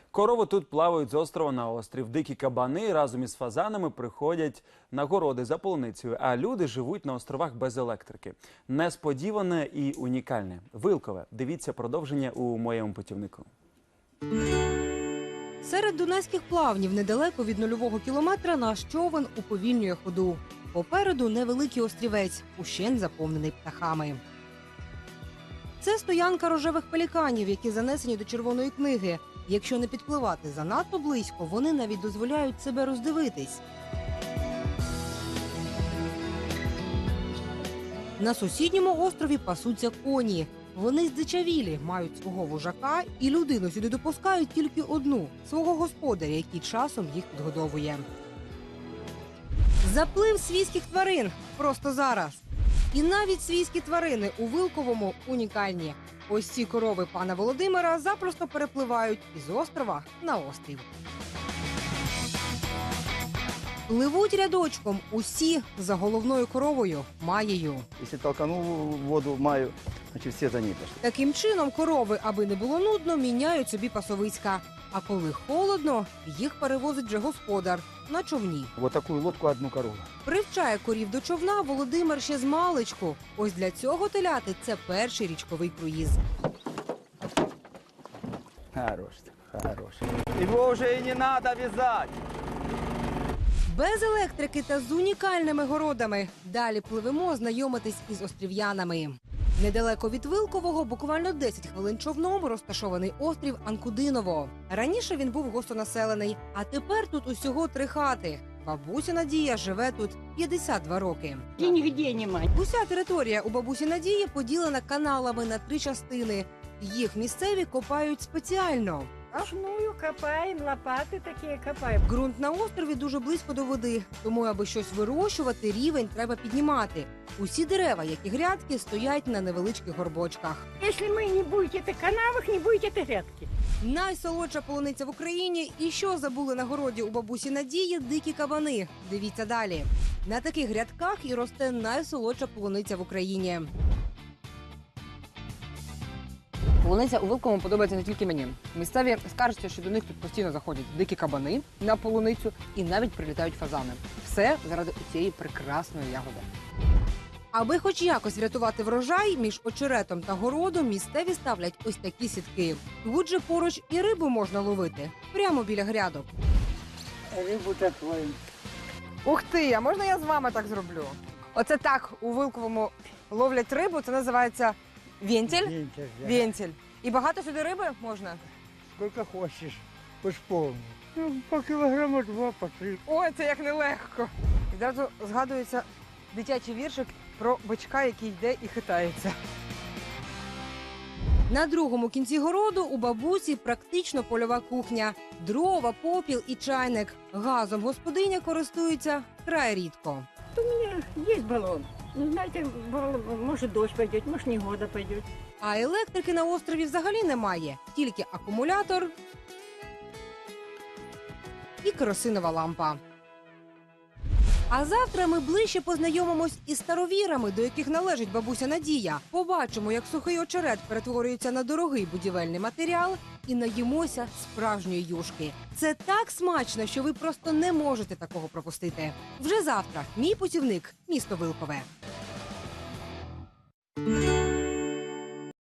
Корови тут плавають з острова на острів. Дикі кабани разом із фазанами приходять на городи за полуницею, а люди живуть на островах без електрики. Несподіване і унікальне. Вилкове. Дивіться продовження у моєму путівнику. Серед дунайських плавнів недалеко від нульового кілометра наш човен уповільнює ходу. Попереду невеликий острівець, ущент заповнений птахами. Це стоянка рожевих пеліканів, які занесені до Червоної книги. Якщо не підпливати занадто близько, вони навіть дозволяють себе роздивитись. На сусідньому острові пасуться коні. Вони здичавілі, мають свого вожака і людину сюди допускають тільки одну – свого господаря, який часом їх підгодовує. Заплив свійських тварин просто зараз. І навіть свійські тварини у Вилковому унікальні. Ось ці корови пана Володимира запросто перепливають із острова на острів. Пливуть рядочком усі за головною коровою – Маєю. Якщо толканув воду Маю, значить всі за ній пішли. Таким чином корови, аби не було нудно, міняють собі пасовиська. А коли холодно, їх перевозить вже господар на човні. Ось таку лодку одну корову. Привчає корів до човна Володимир ще з маличку. Ось для цього теляти – це перший річковий круїз. Хороший. Його вже і не треба в'язати. Без електрики та з унікальними городами. Далі пливемо знайомитись із острів'янами. Недалеко від Вилкового, буквально 10 хвилин човном, розташований острів Анкудиново. Раніше він був густонаселений, а тепер тут усього 3 хати. Бабуся Надія живе тут 52 роки. І нігде немає. Уся територія у бабусі Надії поділена каналами на 3 частини. Їх місцеві копають спеціально. Ручную копаємо, лопати такі копаємо. Ґрунт на острові дуже близько до води, тому аби щось вирощувати, рівень треба піднімати. Усі дерева, як і грядки, стоять на невеличких горбочках. Якщо ви не будете в канавах, не будете грядки. Найсолодша полуниця в Україні. І що забули на городі у бабусі Надії – дикі кабани. Дивіться далі. На таких грядках і росте найсолодша полуниця в Україні. Полуниця у Вилковому подобається не тільки мені. Місцеві скаржаться, що до них тут постійно заходять дикі кабани на полуницю і навіть прилітають фазани. Все заради цієї прекрасної ягоди. Аби хоч якось врятувати врожай, між очеретом та городом місцеві ставлять ось такі сітки. Тут же поруч і рибу можна ловити. Прямо біля грядок. Рибу такою. Ух ти, а можна я з вами так зроблю? Оце так у Вилковому ловлять рибу, це називається вентиль. Вентиль. І багато сюди риби можна? Сколько хочешь, хоть полный. Ну, по килограмма 2, по 3. Ой, це як нелегко. І одразу згадується дитячий віршик про бичка, який йде і хитається. На другому кінці городу у бабусі практично польова кухня. Дрова, попіл і чайник. Газом господиня користується край рідко. У мене є балон. Ну, знаєте, може дощ пойде, може негода пойде. А електрики на острові взагалі немає. Тільки акумулятор і керосинова лампа. А завтра ми ближче познайомимось із старовірами, до яких належить бабуся Надія. Побачимо, як сухий очерет перетворюється на дорогий будівельний матеріал і наїмося справжньої юшки. Це так смачно, що ви просто не можете такого пропустити. Вже завтра мій путівник – місто Вилкове.